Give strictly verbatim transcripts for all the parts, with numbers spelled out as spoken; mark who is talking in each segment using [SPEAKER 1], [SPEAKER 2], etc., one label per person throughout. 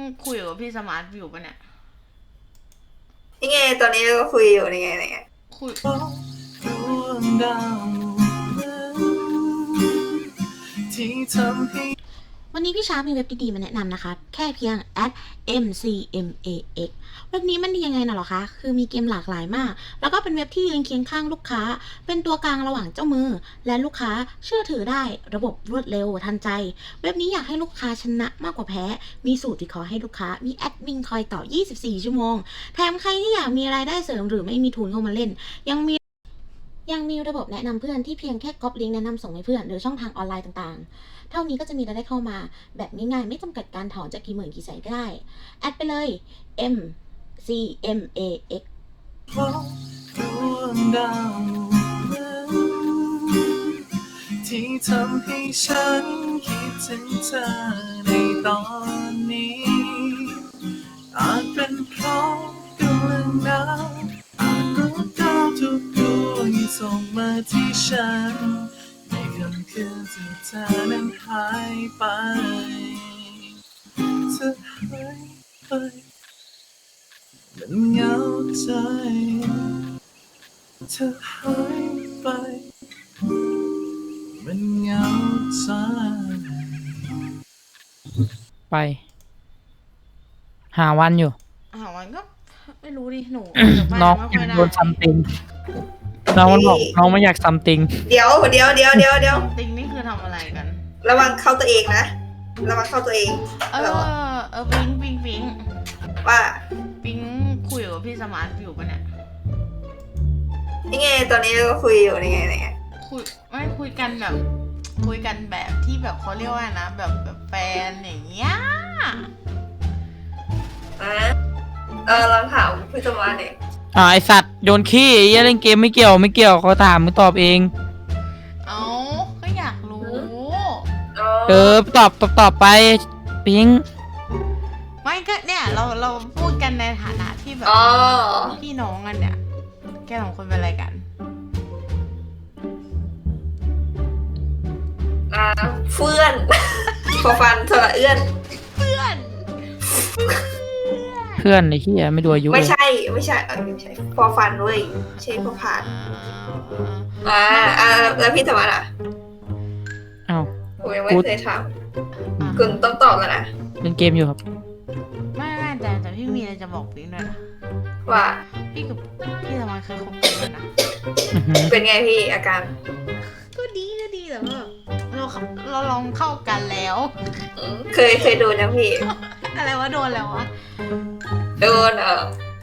[SPEAKER 1] คุยกับพี่สมาร์ทอยู่ปะเนี่ย
[SPEAKER 2] นี่ไงตอนนี้ก็คุยอยู่นี่ไงนี่ไง
[SPEAKER 1] คุย
[SPEAKER 3] วันนี้พี่ช้ามีเว็บดีๆมาแนะนำนะคะแค่เพียง at เอ็ม ซี เอ็ม เอ เอ็กซ์ เว็บนี้มันดียังไงน่ะหรอคะคือมีเกมหลากหลายมากแล้วก็เป็นเว็บที่ยืนเคียงข้างลูกค้าเป็นตัวกลางระหว่างเจ้ามือและลูกค้าเชื่อถือได้ระบบรวดเร็วทันใจเว็บนี้อยากให้ลูกค้าชนะมากกว่าแพ้มีสูตรที่ขอให้ลูกค้ามีแอดมินคอยต่อยี่สิบสี่ชั่วโมงแถมใครที่อยากมีรายได้เสริมหรือไม่มีทุนเข้ามาเล่นยังมียังมีระบบแนะนำเพื่อนที่เพียงแค่ก๊อปลิงก์แนะนำส่งให้เพื่อนหรือช่องทางออนไลน์ต่างๆเท่านี้ก็จะมีรายได้เข้ามาแบบง่ายๆไม่จำกัดการถอนจากกี่หมื่นกี่แสนก็ได้แอดไปเลย M C M A X
[SPEAKER 4] ที่ทำให้ฉันคิดถึงเธอในตอนนี้อาจเป็นเพราะกำลังหนาวอาจรู้ดาวทุกดวงที่ส่งมาที่ฉันในค่ำคืนที่เธอนั้นหายไปเธอหายไปมันเหงาใจเธอหายไปมันเหงาใจ
[SPEAKER 5] ไปหาวันอยู่
[SPEAKER 1] หาวันก็ไม่รู้ดิหนู
[SPEAKER 5] น้อง
[SPEAKER 1] อยาก
[SPEAKER 5] โดนซัมติงน้องมันบอกน้องไม่อยากซัมติง
[SPEAKER 2] เดี๋ยวเดี๋ยวเดี๋ยวเดี๋ยวเดี๋ยว
[SPEAKER 1] ซัมติงนี่คือทำอะไรกัน
[SPEAKER 2] ระวังเข้าตัวเองนะระวังเข้าตัวเอง
[SPEAKER 1] เออเออปิงปิงปิง
[SPEAKER 2] ว่า
[SPEAKER 1] ปิงคุยกับพี่สมาร์ทอยู่ปะเนี่ย
[SPEAKER 2] นี่ไงตอนนี้ก็คุยอยู่นี่ไงนี่ไง
[SPEAKER 1] คุยไม่คุยกันแบบคุยกันแบบที่แบบเขาเรียกว่านะแบบแบบแฟนอย่างเงี้ย
[SPEAKER 2] อ่ะเออลองถามพี่สมาร์ทเนี่ย
[SPEAKER 5] อ่าไอสัตว์โยนขี้ไอ้เล่นเกมไม่เกี่ยวไม่เกี่ยวเขาถามมึงตอบเอง
[SPEAKER 1] เอาก็อยากรู้
[SPEAKER 5] เออตอบตอบตอบไปปิง
[SPEAKER 1] ไม่ก็เนี่ยเราเราพูดกันในฐานะที่แบบพี่น้องกันเนี่ยแกสองคนเป็นอะไรกัน
[SPEAKER 2] อ่าเพื่อนพอฟันสระเอื้อน
[SPEAKER 1] เพื่อน
[SPEAKER 5] เพื่อนไอ้เหี้ยไม่ดูอายุ
[SPEAKER 2] ไม่ใช่ไม่ใช่เออไม่ใช่พอฟันเว้ยใช่พอผ่านอ่าอ่าแล้วพี่สมาร์ทอ่ะ
[SPEAKER 5] อ้าว
[SPEAKER 2] ผมยังไม่เคยถามคุณต้องตอบแล้วนะ
[SPEAKER 5] เล่นเกมอยู่ครับ
[SPEAKER 1] ไม่ไม่แต่แต่พี่มีอะไรจะบอกปิ๊งด้วยนะ
[SPEAKER 2] ว่า
[SPEAKER 1] พี่กับพี่สมาร์ทเคยคบกันเลยนะ
[SPEAKER 2] เป็นไงพี่อาการ
[SPEAKER 1] ก็ดีก็ดีแต่ว่าเราเราลองเข้ากันแล้ว
[SPEAKER 2] เคยเคยโดนนะพี่
[SPEAKER 1] อะไรวะโดนแล้ววะ
[SPEAKER 2] โดนเออ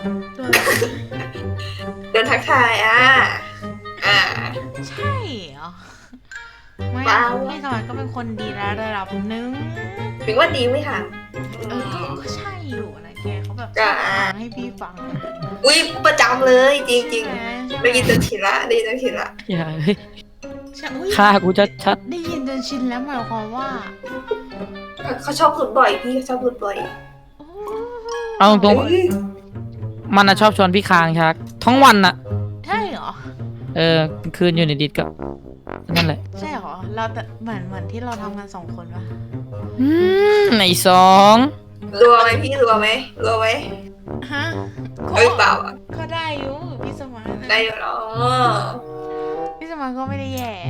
[SPEAKER 2] โดนทักทายอ่ะอ่า
[SPEAKER 1] ใช่เหรอไม่พี่สมัยก็เป็นคนดีระดับนึง
[SPEAKER 2] ถึงว่าดีไหมคะ
[SPEAKER 1] เออก็ใช่อยู่นะแกเขาแบบให้พี่ฟัง
[SPEAKER 2] อุ้ยประจำเลยจริงจริงได้ยินจนชินละได้ยินจนชินละ
[SPEAKER 5] อย่าเฮ้ยฆ่ากูจะชัด
[SPEAKER 1] ได้ยินจนชินแล้วหมายความว่า
[SPEAKER 2] เขาชอบพูดบ่อยพี่เขาชอบพูดบ่อย
[SPEAKER 5] เอาตรงมันอะชอบชวนพี่คางชักทั้งวันอะ
[SPEAKER 1] ใช่เหรอ
[SPEAKER 5] เออคืนอยู่ในดิสก็นั่นแหละ
[SPEAKER 1] ใช่เหรอเราแต่เหมือนเหมือนที่เราทำกันสองคนปะ
[SPEAKER 5] อืมในสอง
[SPEAKER 2] รัวไหมพี่รัวไหมรัวไหม
[SPEAKER 1] ฮะ
[SPEAKER 2] เอ้ยเปล่าอ่ะ
[SPEAKER 1] ก็ได้อยู่พี่สมัย
[SPEAKER 2] ได้อยู่หรอ
[SPEAKER 1] พี่สมัยก็ไม่ได้แย่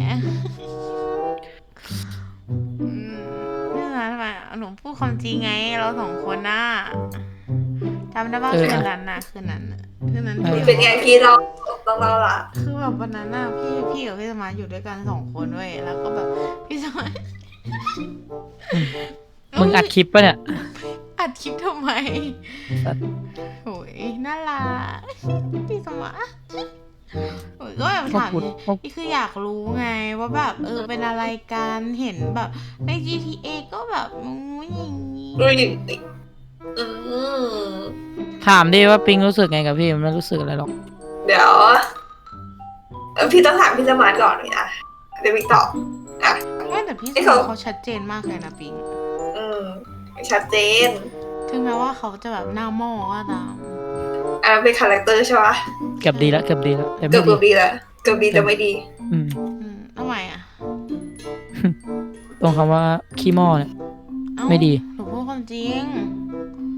[SPEAKER 1] นี่นะทำไมหนูพูดความจริงไงเราสองคนน่ะจำได้ป่ะคืนนั้นน่ะคืนนั้นคืนนั้น
[SPEAKER 2] เป็นไงพี่เราต้องเราล่ะ
[SPEAKER 1] คือแบบวันนั้นน่ะพี่พี่กับพี่สมัยอยู่ด้วยกันสองคนเว้ยแล้วก็แบบพี่สมัย
[SPEAKER 5] มึงอัดคลิปปะเนี่ย
[SPEAKER 1] อัดคลิปทำไมโอ้ยน่ารักพี่สมัยโอ้ยก็แบบถามนี่คืออยากรู้ไงว่าแบบเออเป็นอะไรกันเห็นแบบใน จี ที เอ ก็แบบงูอย่างนี้
[SPEAKER 5] ถามดิว่าปิงรู้สึกไงกับพี่มันไม่รู้สึกอะไรหรอก
[SPEAKER 2] เดี๋ยวพี่ต้องถามพี่สมาร์ทก่อนนะเดี๋ยวพี่ตอบอ่ะ
[SPEAKER 1] ไม่แต่พี่สมาร์ทเขาชัดเจนมากเลยนะปิง
[SPEAKER 2] อืมชัดเจน
[SPEAKER 1] ถึงแม้ว่าเขาจะแบบหน้าหม้อก็ตาม
[SPEAKER 2] อ่าเป็นคาแรคเตอร์ใช่ปะ
[SPEAKER 5] เกือบดีแล้วเกือบดีแล้ว
[SPEAKER 2] เกือบดีแล้วเกือบดีแต่ไม่ดี
[SPEAKER 5] อืม
[SPEAKER 1] ทำไมอ่ะ
[SPEAKER 5] ตรงคำว่าขี้หม้อเนี่ยไม่ดี
[SPEAKER 1] หนูพูดความจริง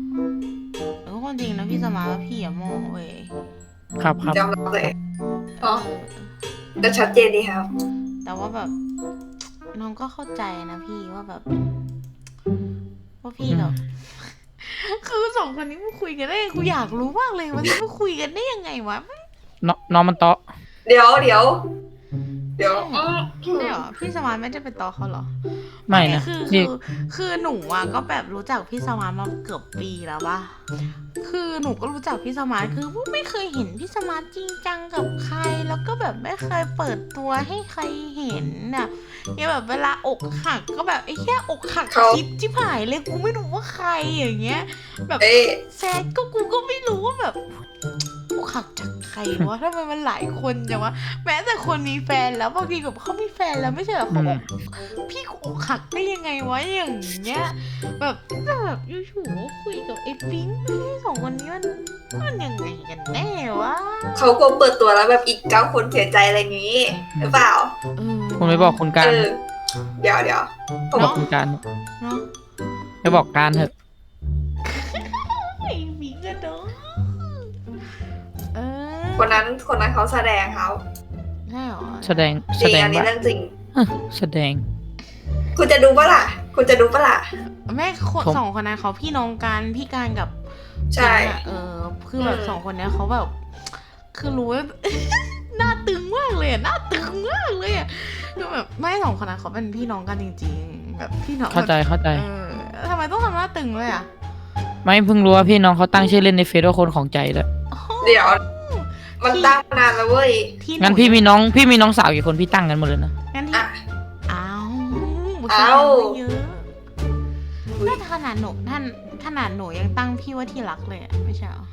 [SPEAKER 1] ความจริงนะพี่สมาร์ทว่าพี่อะโม่เว้ย
[SPEAKER 5] ครับครับ
[SPEAKER 2] ยอมรับเลยอ๋อก็ชัดเจนดีครับ
[SPEAKER 1] แต่ว่าแบบน้องก็เข้าใจนะพี่ว่าแบบ ว่าพี่แบบ คือสองคนนี้มันคุยกันได้กูอยากรู้มากเลยวันนี้มันคุยกันได้ยังไงวะ
[SPEAKER 5] น้องน้องมันเตาะ
[SPEAKER 2] เดี๋ยวเดี๋ยวเดี๋ยว
[SPEAKER 1] ใช่เหรอพี่สมานไม่ได้เป็นต่อเขาเหรอ
[SPEAKER 5] ไม่นะ
[SPEAKER 1] คือคื
[SPEAKER 5] นี่
[SPEAKER 1] อคือหนูอ่ะก็แบบรู้จักพี่สมานมาเกือบปีแล้วปะคือหนูก็รู้จักพี่สมานคือไม่เคยเห็นพี่สมานจริงจังกับใคร แล้วก็แบบไม่เคยเปิดตัวให้ใครเห็นน่ะเนี่ยแบบเวลาอกหักก็แบบไอ้แค่อกหักคิดจิบหายเลยกูไม่รู้ว่าใครอย่างเงี้ย แบบ
[SPEAKER 2] เอ้ย
[SPEAKER 1] แซดก็กูก็ไม่รู้ว่าแบบอกหักจากใครวะทำไมมันหลายคนจังวะแม้แต่คนมีแฟนแล้วบางทีแบบเขามีแฟนแล้วไม่ใช่เหรอเขาอกพี่กูอกหักได้ยังไงวะอย่างเงี้ยแบบแบบอยู่ๆก็คุยกับไอ้ปิ๊งพี่สองคนนี้มันมันยังไงกันแน่วะ
[SPEAKER 2] เขากลัวเปิดตัวแล้วแบบอีกเก้าคนเสียใจอะไรอย่างนี้หรือเปล่า
[SPEAKER 1] เออ
[SPEAKER 5] คุณไปบอกคุณการ
[SPEAKER 2] เออเดี๋ยวเดี๋ยวผม
[SPEAKER 5] บอกคุณการ
[SPEAKER 1] เนาะ
[SPEAKER 5] ไปบอกการเถอะ
[SPEAKER 1] ไอ้ปิ๊งกันเนาะเออ
[SPEAKER 2] คนนั้นคนนั้นเขาแสดงเขา
[SPEAKER 1] ใช่เหรอ
[SPEAKER 5] แสดง
[SPEAKER 2] จ
[SPEAKER 5] แส
[SPEAKER 2] ริง
[SPEAKER 5] ดง
[SPEAKER 2] อันนี้
[SPEAKER 5] ว่า
[SPEAKER 2] เรื่องจริง
[SPEAKER 5] แสดง
[SPEAKER 2] คุณจะดูปะล่ะ คุณจะดูปะล่ะ
[SPEAKER 1] แม่คน
[SPEAKER 5] ผม
[SPEAKER 1] สองคนนั้นเขาพี่น้องกันพี่การกับ
[SPEAKER 2] ใช่
[SPEAKER 1] ปิ๊งอะเออคือแบบ
[SPEAKER 2] อืม
[SPEAKER 1] สองคนเนี้ยเขาแบบ คือรู้ว่า หน้าตึงมากเลยอะหน้าตึงมากเลยอะคือแบบไม่สองคนนั้นเขาเป็นพี่น้องกันจริงๆ แบบพี่น้อง
[SPEAKER 5] เข้าใจเข้าใจ
[SPEAKER 1] เออทำไมต้องทำหน้าตึงเลยอะ
[SPEAKER 5] ไม่เพิ่งรู้ว่าพี่น้องเขาตั้งชื่อเล่นในเฟซว่าคนของใจแล้ว
[SPEAKER 2] เดี๋ยว มันตั้งมานานแล้วเว้ย
[SPEAKER 1] ที่
[SPEAKER 5] งั้นพี่มีน้องพี่มีน้องสาวกี่คนพี่ตั้งกันหมดเลยนะ
[SPEAKER 1] งั้นที่
[SPEAKER 2] อ่ะ
[SPEAKER 1] อ้าว
[SPEAKER 2] อ้าว
[SPEAKER 1] เยอะถ้าขนาดหนูท่านขนาดหนูยังตั้งพี่ว่าที่รักเลยอะไม่ใช่เหรอ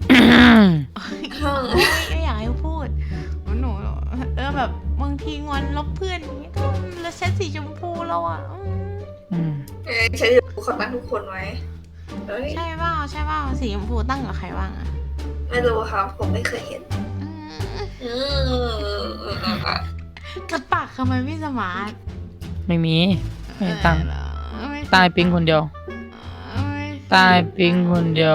[SPEAKER 1] ไม่อยากให้พูดหนูเออแบบบางทีงอนลบเพื่อนอย่างเงี้ยก็แล้วเซตสีชมพูแล้วอ่ะอืม
[SPEAKER 5] อืม
[SPEAKER 2] เอ้ยฉันจะดูคนนั้นทุกคนไว้เอ้ย
[SPEAKER 1] ใช่เปล่าใช่เปล่าสีชมพูตั้งกับใครบ้างอ่ะ
[SPEAKER 2] ไม่รู้ครับ ผมไม่เคยเห็น
[SPEAKER 1] อืม
[SPEAKER 2] อืม
[SPEAKER 1] กัดปากทำไมไม่สมาร์ท
[SPEAKER 5] ไม่มีไม่ตั้ง
[SPEAKER 1] เออไม่
[SPEAKER 5] ตายปิ๊งคนเดียว
[SPEAKER 1] ไม่
[SPEAKER 5] ตายปิ๊งคนเดียว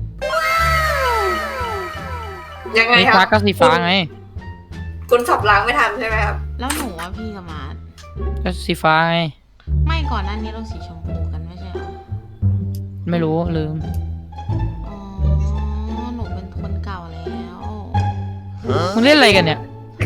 [SPEAKER 2] ยังไง
[SPEAKER 5] สี
[SPEAKER 2] ค
[SPEAKER 5] ฟ้า
[SPEAKER 2] รับ
[SPEAKER 5] ก็สีฟ้าไง
[SPEAKER 2] คุณสับล้างไม่ทันใช่ไหมครับ
[SPEAKER 1] แล้วหนูว่าพี่สมาร์ท
[SPEAKER 5] ก็สีฟ้าไง
[SPEAKER 1] ไม่ก่อนหน้านี้เราสีชมพูกันไม่ใช่เหรอ
[SPEAKER 5] ไม่รู้ลืม
[SPEAKER 1] อ๋อหนูเป็นคนเก่าแล้ว
[SPEAKER 5] มึงเล่นอะไรกันเนี่ย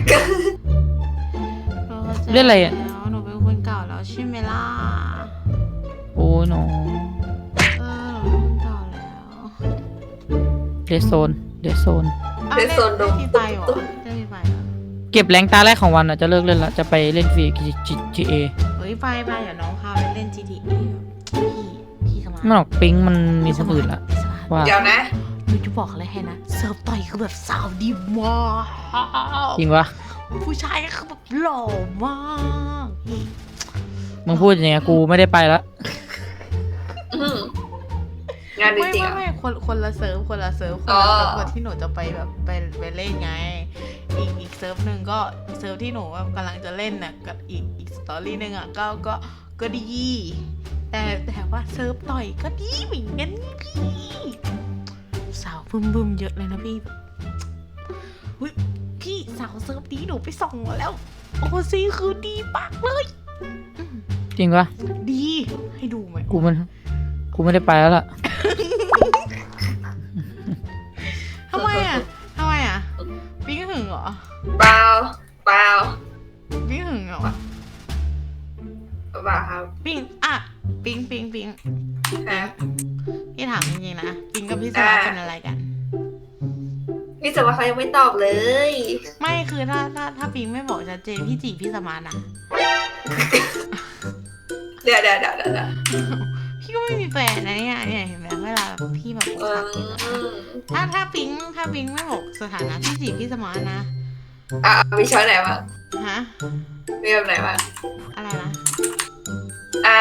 [SPEAKER 1] ราข้าใจ
[SPEAKER 5] เล่นอะไรอะ
[SPEAKER 1] แล้วหนูเป็นคนเก่าแล้วใช่ไหมล่ะ
[SPEAKER 5] โอ้ยน้อง
[SPEAKER 1] เออหนูเป็นคนเก่าแล้ว
[SPEAKER 5] เดซโซนเดซโซน
[SPEAKER 1] อ่ะ
[SPEAKER 2] เล่นโซนด
[SPEAKER 1] เล่
[SPEAKER 2] ม
[SPEAKER 1] นฟรีไฟเหรอเล่นฟรีไฟเหรอ
[SPEAKER 5] เก็บแรงตาแรกของวันอ่ะจะเลิกเล่นละจะไปเล่นฟรี จี เอ
[SPEAKER 1] เฮ้ยไปไปเดี๋ยวน้องพาไปเล่น จี ที เอ พี่พี่สมาร์ท
[SPEAKER 5] มันออกปิ๊งมันมีคนอื่นละ
[SPEAKER 1] พี่สมาร์ท
[SPEAKER 5] ว่า
[SPEAKER 2] เดี๋ยวนะ
[SPEAKER 1] หนูจะบอกอะไรให้นะเซิร์ฟต่อยคือแบบสาวดีมาก
[SPEAKER 5] จริงวะ
[SPEAKER 1] ผู้ชายก็คือแบบหล่อมากพี่
[SPEAKER 5] มึงพูดอย่างเงี้ยกูไม่ได้ไปละ
[SPEAKER 2] อืมงานจ
[SPEAKER 1] ไม่
[SPEAKER 2] ริง
[SPEAKER 1] ไม่
[SPEAKER 2] ๆอ่ะ
[SPEAKER 1] ไม่คนคนละเซิร์ฟคนละเซิร์ฟคน
[SPEAKER 2] อ๋อ
[SPEAKER 1] ละเซิร์ฟกับที่หนูจะไปแบบไปไปเล่นไง อีกอีกเซิร์ฟหนึ่งก็เซิร์ฟที่หนูแบบกำลังจะเล่นน่ะกับอีกอีกสตอรี่หนึ่งอ่ะก็ก็ก็ดี แต่แต่ว่าเซิร์ฟต่อยก็ดีเหมือนกันนี่พี่สาวบึมบึมๆเยอะเลยนะพี่แบบเฮ้ยพี่สาวเซิร์ฟนี้หนูไปส่องมาแล้ว โอ้ซีคือดีมากเลยอืม
[SPEAKER 5] จริงวะ
[SPEAKER 1] ดีให้ดูไหม
[SPEAKER 5] กูมันกูไม่ได้ไปแล้วล่ะ
[SPEAKER 1] ทำไมอ่ะทำไมอ่ะปิ๊งหึงเหรอ
[SPEAKER 2] เปล่าเปล่า
[SPEAKER 1] ปิ๊งหึงเหรอ
[SPEAKER 2] เปล่าครับ
[SPEAKER 1] ปิ๊งอ่ะปิ๊งปิ๊งปิ๊ง
[SPEAKER 2] ครับ
[SPEAKER 1] พี่ถามจริงๆนะปิ๊งกับพี่สมาร์ทเป็นอะไรกัน
[SPEAKER 2] พี่สวัสดิ์เขายังไม่ตอบเลย
[SPEAKER 1] ไม่คือถ้าถ้าถ้าปิ๊งไม่บอกชัดเจนพี่จีบพี่สมาร์ทนะ
[SPEAKER 2] เดี๋ยวเดี๋ยวเดี๋ยวเดี๋ยวเดี๋ยว
[SPEAKER 1] พี่ก็ไม่มีแฟนนะเนี่ยเนี่ยเห็นไหมเวลาแบบพี่แบบอก
[SPEAKER 2] เอ
[SPEAKER 1] หักเนี่ย
[SPEAKER 2] อ
[SPEAKER 1] ถ้าถ้าปิ๊งถ้าปิ๊งไม่บอกสถานะพี่จีบพี่สมาร์ทนะ
[SPEAKER 2] อ่ะมีช้อยไหนบ้าง
[SPEAKER 1] ฮะ
[SPEAKER 2] มีแบบไหนบ้าง
[SPEAKER 1] อะไรนะ
[SPEAKER 2] อ่า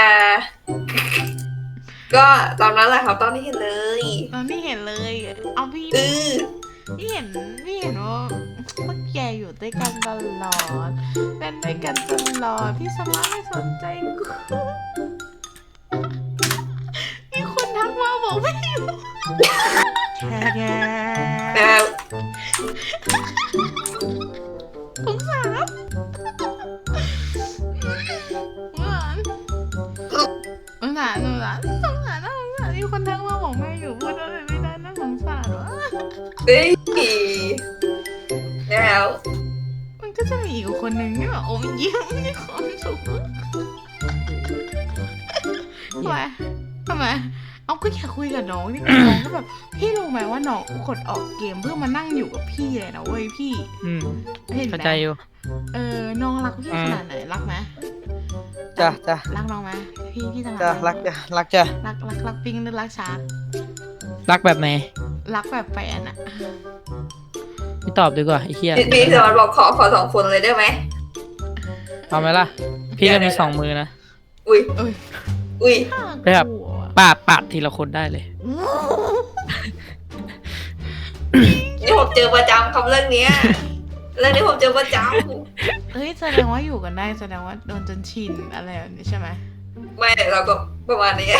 [SPEAKER 2] ก็ตอนนั้นแหละครับตอนที่เห็นเลย
[SPEAKER 1] เราไม่เห็นเลยเอาพี่
[SPEAKER 2] เออ
[SPEAKER 1] พี่เห็นพี่เห็นว่าพวกแกอยู่ด้วยกันตลอดเล่นด้วยกันตลอดพี่สมาร์ทไม่สนใจกูมีคนทักมาบอกไม่อยู่แก
[SPEAKER 2] นะครับ
[SPEAKER 1] สงสารสงสารสงสารสงสารสงสารน่าสงสารมีคนทักมาบอกแม่อยู่พูดอะไรไม่ได้น่าสงสารวะ
[SPEAKER 2] เฮ้ยแล้ว
[SPEAKER 1] มันก็จะมีอีกคนนึงที่แบบโอ้ยยิ้มมีความสุขทำไมทำไมเอาก็อยากคุยกับน้องนี่น้องก็แบบพี่รู้ไหมว่าน้องกดออกเกมเพื่อมานั่งอยู่กับพี่เลยนะเว้ยพี่
[SPEAKER 5] อืม
[SPEAKER 1] เห็นไหม
[SPEAKER 5] เข้าใจอยู่
[SPEAKER 1] เออน้องรักพี่ขนาดไหนรักไหม
[SPEAKER 5] จ้ะจ้ะ
[SPEAKER 1] รักน้องไหมพี่พี่จะ
[SPEAKER 5] จ้ะรักจ้ะรักจ้ะ
[SPEAKER 1] รักรักรักปิงหรือรักชาร์ก
[SPEAKER 5] รักแบบไหน
[SPEAKER 1] รักแบบแฟนอะ
[SPEAKER 5] พี่ตอบดีกว่าไอ้เหี้ย
[SPEAKER 2] พี่พี่สวัสดิ์บอกขอขอสองคนเลยได้ไหม
[SPEAKER 5] เอาไหมล่ะ พี่ก็มีสองมือนะ
[SPEAKER 2] อุ้ย
[SPEAKER 1] เอ้ย
[SPEAKER 2] อุ้ย
[SPEAKER 5] ไปครับ ปาดปาดทีละคนได้เลย
[SPEAKER 2] นี่ผมเจอประจำคำเรื่องเนี้ยเรื่องนี้ผมเจอประจ
[SPEAKER 1] เฮ้ยแสดงว่าอยู่กันได้แสดงว่าโดนจนชินอะไรแบบนี้ใช่ไหม
[SPEAKER 2] ำไม่เราก็ประมาณนี้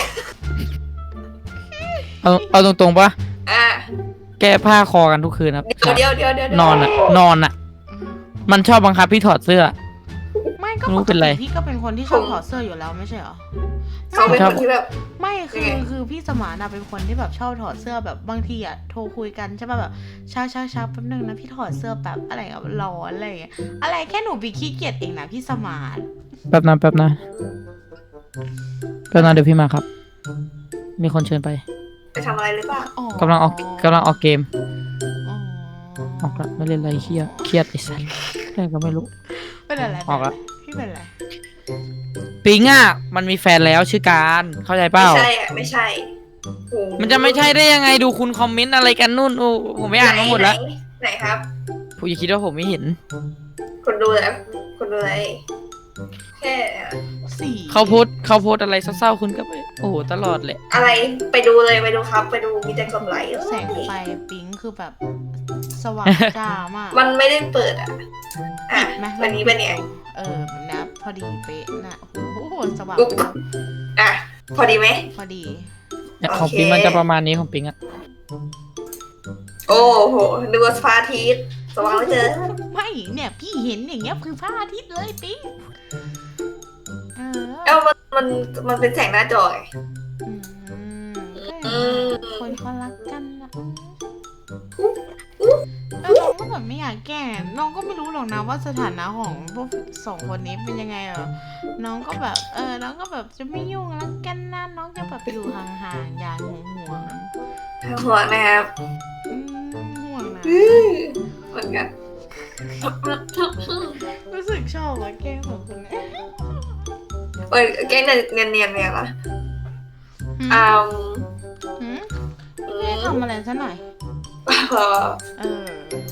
[SPEAKER 5] เอาเอาตรงๆปะ
[SPEAKER 2] อ่ะ
[SPEAKER 5] แก้ผ้าคอกันทุกคืนครับ
[SPEAKER 2] เดี๋ยวเดี๋ยวเดี๋ยวเดี๋ยวน
[SPEAKER 5] อนอ่ะ นอนอ่ะ
[SPEAKER 1] อืม
[SPEAKER 5] มันชอบบังคับพี่ถอดเสื้อ
[SPEAKER 1] ไม่ก็
[SPEAKER 5] ไม่รู้
[SPEAKER 1] ปก
[SPEAKER 5] เป็นไร
[SPEAKER 1] ติพี่ก็เป็นคนที่ชอบถอดเสื้ออยู่แล้วไม่ใช่เหรอ
[SPEAKER 2] เขาเป็นคนที่แบบ
[SPEAKER 1] ไม่คือ
[SPEAKER 2] ยังไง
[SPEAKER 1] คือพี่สมานอะเป็นคนที่แบบชอบถอดเสื้อแบบบางทีอะโทรคุยกันใช่ป่ะแบบช้าช้าช้าแป๊บนึงนะพี่ถอดเสื้อแบบอะไรอะร้อนอะไรอย่างเงี้ยอะไรแค่หนูไปขี้เกียจเองนะพี่สมาน
[SPEAKER 5] แป๊บนะแป๊บนะแป๊บนะเดี๋ยวพี่มาครับ มีคนเชิญไป
[SPEAKER 2] ไปทำอะไรหรือเปล่า
[SPEAKER 1] อ๋อก
[SPEAKER 5] ำลังออกกำลังออกเกม
[SPEAKER 1] อ๋อ
[SPEAKER 5] ออกละไม่เล่นอะไรเครียดเครียดไอ้สัสแค่ก็ไม่รู้
[SPEAKER 1] เป็นอะไร
[SPEAKER 5] ออกละ
[SPEAKER 1] พี่เป็นอะไร
[SPEAKER 5] ปิงอ่ะมันมีแฟนแล้วชื่อการเข้าใจเป
[SPEAKER 2] ไม่
[SPEAKER 5] ล่า
[SPEAKER 2] ใช่อ่ะไม่ใช่โอ้โห
[SPEAKER 5] มันจะไม่ใช่ได้ยังไงดูคุณคอมเมนต์อะไรกันนู่นโอ้ผมไม่อ่านมาหมดแล้ว
[SPEAKER 2] ไหนไหนครับ
[SPEAKER 5] ผมอย่าคิดว่าผมไม่เห็น
[SPEAKER 2] คนดูแล้วคนดูอะไรแค่
[SPEAKER 1] สี่
[SPEAKER 5] เขาโพสต์เขาโพสต์อะไรเศร้าๆคุณก็ไปโอ้โหตลอดเลย
[SPEAKER 2] อะไรไปดูเลยไปดูครับ ไปดูมีแต่กดไลค์
[SPEAKER 1] แสงไฟปิ๊งคือแบบสว่างจ้ามาก
[SPEAKER 2] มันไม่ได้เปิดอ่ะอ่ะ
[SPEAKER 1] ไหม
[SPEAKER 2] วันนี้เป็นไง
[SPEAKER 1] เออแบบนี้พอดีเป๊ะนะโอ้โหสว่าง
[SPEAKER 2] อุ๊บอ่ะพอดีไหม
[SPEAKER 1] พอดี
[SPEAKER 5] เนี่ย
[SPEAKER 2] โอเค
[SPEAKER 5] ของปิงมันจะประมาณนี้ของปิงอ่ะ
[SPEAKER 2] โอ้โหดูว่าฟ้าอาทิตย์สว่างไม่เจอ
[SPEAKER 1] ไม่เนี่ยพี่เห็นอย่างเงี้ยคือพระอาทิตย์เลยปิ๊งเออ
[SPEAKER 2] เอ้ามันมันมันเป็นแสงหน้าจอไง
[SPEAKER 1] อืม
[SPEAKER 2] อืม
[SPEAKER 1] คนเขารักกันนะเออน้องก็แบบไม่อยากแก้น้องก็ไม่รู้หรอกนะว่าสถานะของพวกสองคนนี้เป็นยังไงเหรอน้องก็แบบเออน้องก็แบบจะไม่ยุ่งรักกันนะน้องจะแบบอยู่ห่างๆอย่าห่วงห่วง
[SPEAKER 2] ห่วงนะครับ
[SPEAKER 1] ๆอืมห่วงนะ
[SPEAKER 2] อื้อเหมือนกัน
[SPEAKER 1] รู้สึกชอบว่าแก้ของคนนี้
[SPEAKER 2] เอ้ยแกงเนียนเนียนเนียนเนี่ยเหรอ
[SPEAKER 1] หืม
[SPEAKER 2] อ้าว
[SPEAKER 1] หืม
[SPEAKER 2] อื
[SPEAKER 1] ไม่
[SPEAKER 2] ม
[SPEAKER 1] ทำอะไรซะหน่อย
[SPEAKER 2] เออ
[SPEAKER 1] เออ